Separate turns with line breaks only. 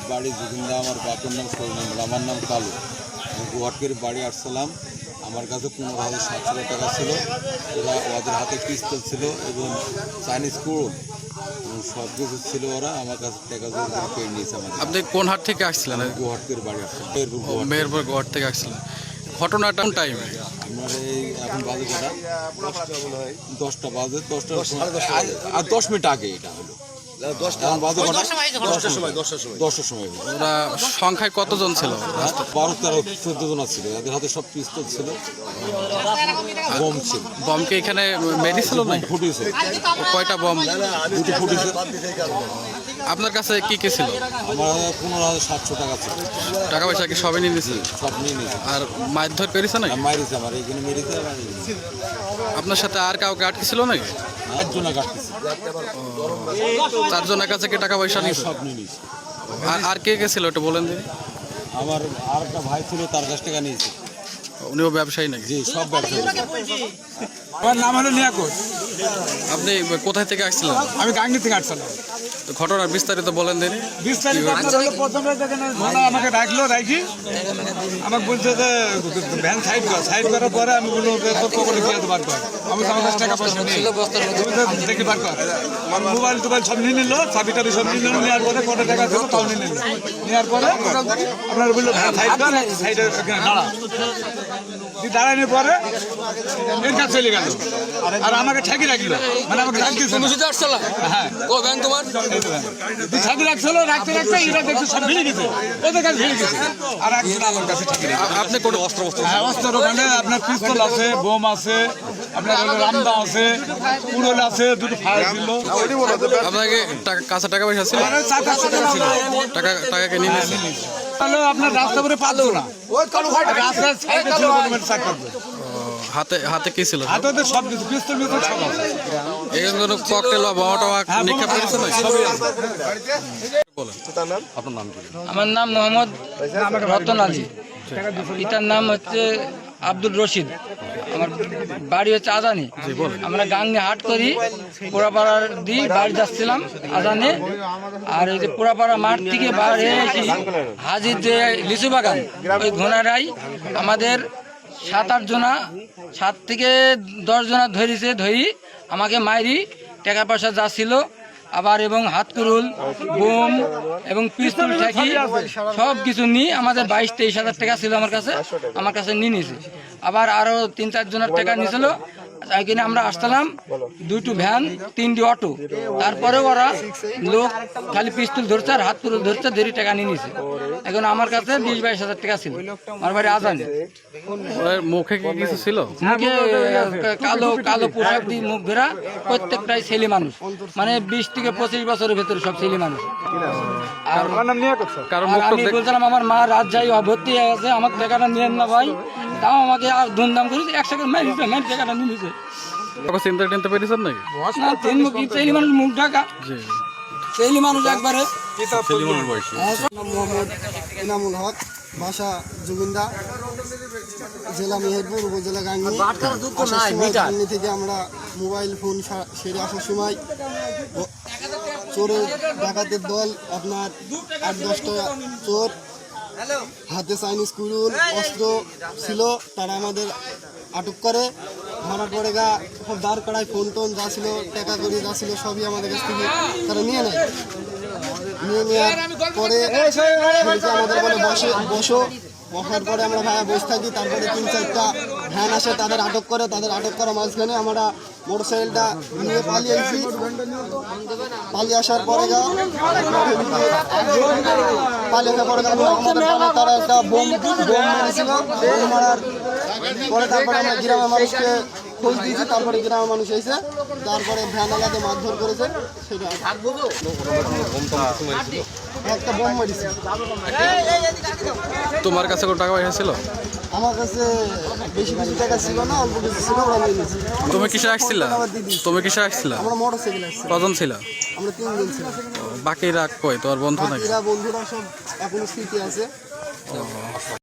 বাড়ি জুগিন্দা, আমার বাপের নাম সরনাম, আমার নাম কালু। আমি গুয়াহাটির বাড়ি আসছিলাম। আমার কাছে 15,700 টাকা ছিল। ওদের হাতে পিস্তল ছিল এবং চাইনিজ কুড়ুল সব কিছু ছিল। ওরা আমার কাছে টাকা পেয়ে নিয়েছে।
আপনি কোন হাট থেকে আসছিলেন?
গুয়াহাটির বাড়ি আসছিলাম,
মেহেরপুর গুয়াহাটি থেকে আসছিলেন। ঘটনাটা কোন টাইমে?
আপনার এই এখন বাজে কটা? 10টা বাজে। 10 মিনিট আগে এটা হলো। 10টার সময়।
ওরা সংখ্যায় কতজন ছিল?
12-13-14 জন ছিল। এদের হাতে সব পিস্তল ছিল, বম ছিল।
বমকে এখানে মেরেছিল না?
ফুটেছে।
কয়টা বম?
দুটো ফুটেছে।
আপনার কাছে কি কি ছিল?
আমার 15,700 টাকা ছিল।
টাকা পয়সা কি সবই নিয়ে নিয়েছে?
সব নিয়ে নিয়েছে।
আর মারধর পেরেছে নাকি?
মারিছে, আমার এখানে মেরেছে।
আপনার সাথে আর কাউকে আটকে ছিল নাকি?
একজনে কাটতেছে।
4 জনের কাছে কি টাকা পয়সা নিয়েছে?
সব নিয়ে নিয়েছে।
আর কে কে ছিল একটু বলেন দিন।
আমার আর একটা ভাই ছিল, তার কাছ টাকা নিয়েছে।
উনিও ব্যবসায়ী নাকি?
জি, সব ব্যবসায়ী।
আমার নাম হলো নিয়াকত।
আপনি কোথায় থেকে আসছিলেন?
আমি গাঙ্গি থেকে আসছিলাম।
তো ঘটনার বিস্তারিত বলেন দিন।
বিস্তারিত প্রথমে আমাকে ডাকলো, রাখি আমাকে বলছে যে ভ্যান সাইড করার পরে আমি বললো পকেটে গিয়ে বার কর। আমি তো আমার কাছে টাকা পয়সা নেই, দেখি বার কর। মোবাইল টোবাইল সব নিয়ে নিল, চাবি টাবি সব নিয়ে নিল। নেওয়ার পরে কত টাকা ছিল তাও নিয়ে নিল। নেওয়ার পরে আপনার বললো সাইড কর, সাইডে দাঁড়া। দাঁড়ানোর পরে এর কাছে চলে গেল আর আমাকে ঠেকি রাখলো, মানে আমাকে রাখতেছে। হ্যাঁ, ও ব্যাংক তোমার ছাদি রাখছিল। রাখতে রাখতে এরা দেখতে সব ভিড়ে গেছে, ওদের কাছে ভিড়ে গেছে। আর একজন আমার কাছে ঠেকি রাখলো।
আপনি কোনো অস্ত্র?
হ্যাঁ, অস্ত্র ওখানে আপনার পিস্তল আছে, বোম আছে, আপনার রামদা আছে, কুড়োল আছে, দুটো ফায়ার ছিল।
আপনাকে কাছে টাকা পয়সা ছিল?
400 টাকা ছিল।
টাকাকে নিয়ে নিয়েছে।
তাহলে আপনার রাস্তা করে পারতো না, রাস্তার সাইডে ছিল চাক করবে।
হাতে কি ছিল?
হাতে ওদের সব কিছু, পিস্তল মিস্তল সব আছে।
এখানে কোনো ককটেল বা বোমা টোমা নিক্ষেপ করেছে না?
আমার নাম মোহাম্মদ রতন আলী, পিতার নাম হচ্ছে আব্দুল রশিদ। আমার বাড়ি হচ্ছে আজানি। আমরা গাঙ্গে হাট করি, পোড়াপাড়ার দিয়ে বাড়ি যাচ্ছিলাম আজানে। আর এই যে পোড়াপাড়া মাঠ থেকে বাইরে এসে হাজির যে লিচু বাগান, ওই ঘোনারাই আমাদের 7-8 জনা, 7 থেকে 10 জনা ধরি আমাকে মাইরি টাকা পয়সা যা ছিল আবার এবং হাতকুরুল, বোম এবং পিস্তল ঠেকি সব কিছু নিয়ে আমাদের 22-23 হাজার টাকা ছিল আমার কাছে নিয়ে নিয়েছে। আবার আরও 3-4 জনের টাকা নিয়েছিল। এখানে আমরা আসলাম, 2টো ভ্যান, 3টি অটো। তারপরে ওরা লোক খালি পিস্তল ধরছে আর হাত পুরো ধরছে, দেরি টাকা নিয়ে নিছে। এখন আমার কাছে 20-22 হাজার টাকা ছিল। আমার বাড়ি আজানে।
মুখে কি কিছু ছিল?
মুখে কালো কালো পোশাক দিয়ে মুখ ঘেরা, প্রত্যেকটাই ছেলে মানুষ, মানে 20 থেকে 25 বছরের ভেতরে সব ছেলে মানুষ। আর আমি বলছিলাম আমার মা রাত যাই ভর্তি হয়ে গেছে, আমার টাকাটা নিয়েন না ভাই। তাও আমাকে আর ধুমধাম করেছে, 1 সেকেন্ড মাইর টাকাটা নিয়ে নিছে।
চিন্তা টিনতে পেরেছেন নাকি?
না, ছেলে মানুষ মুখ ঢাকা, ছেলে মানুষ একবারে।
মোহাম্মদ ইনামুল হক, বাসা জুগিন্দা, জেলা মেহেরপুর, উপজেলা গাঙ্গি। গাঙ্গি থেকে আমরা মোবাইল ফোন সেরে আসার সময় চোরের ডাকাতের দল, আপনার 8-10টা চোর, হাতে চাইনিজ কুড়ুল অস্ত্র ছিল। তারা আমাদের আটক করে, ধরার পরে সব দাঁড় করায়, ফোন টোন যা ছিল, টাকা করি যা ছিল সবই আমাদের কাছ থেকে তারা নিয়ে নেয়। নিয়ে নেওয়ার পরে আমাদের বলে বসো। বসার পরে আমরা ভাইয়া বসে থাকি। তারপরে 3-4টা ভ্যান আসে, তাদের আটক করে। তাদের আটক করা মাঝখানে আমরা মোটরসাইকেলটা নিয়ে পালিয়ে আসি। পালিয়ে আসার পরে তারা একটা বোম মেরেছিল। বোম মারার পরে তারপরে আমরা গ্রামের মানুষকে খোঁজ দিয়েছি। তারপরে গ্রামের মানুষ এসে তারপরে ভ্যানওয়ালাকে মারধর করেছে। সেটা একটা বোম মেরেছে।
তোমার কাছে কোনো টাকা পয়সা ছিল?
আমার কাছে বেশি কিছু টাকা ছিল না, অল্প কিছু ছিল, ওরা নিয়ে নিয়েছি।
তুমি কিসে আসছিলা?
আমরা মোটরসাইকেল আসছি।
কজন ছিল?
আমরা 3 জন ছিলাম।
বাকিরা কই? তোমার বন্ধু নাকি?
বন্ধুরা সব এখনো স্মৃতি আছে।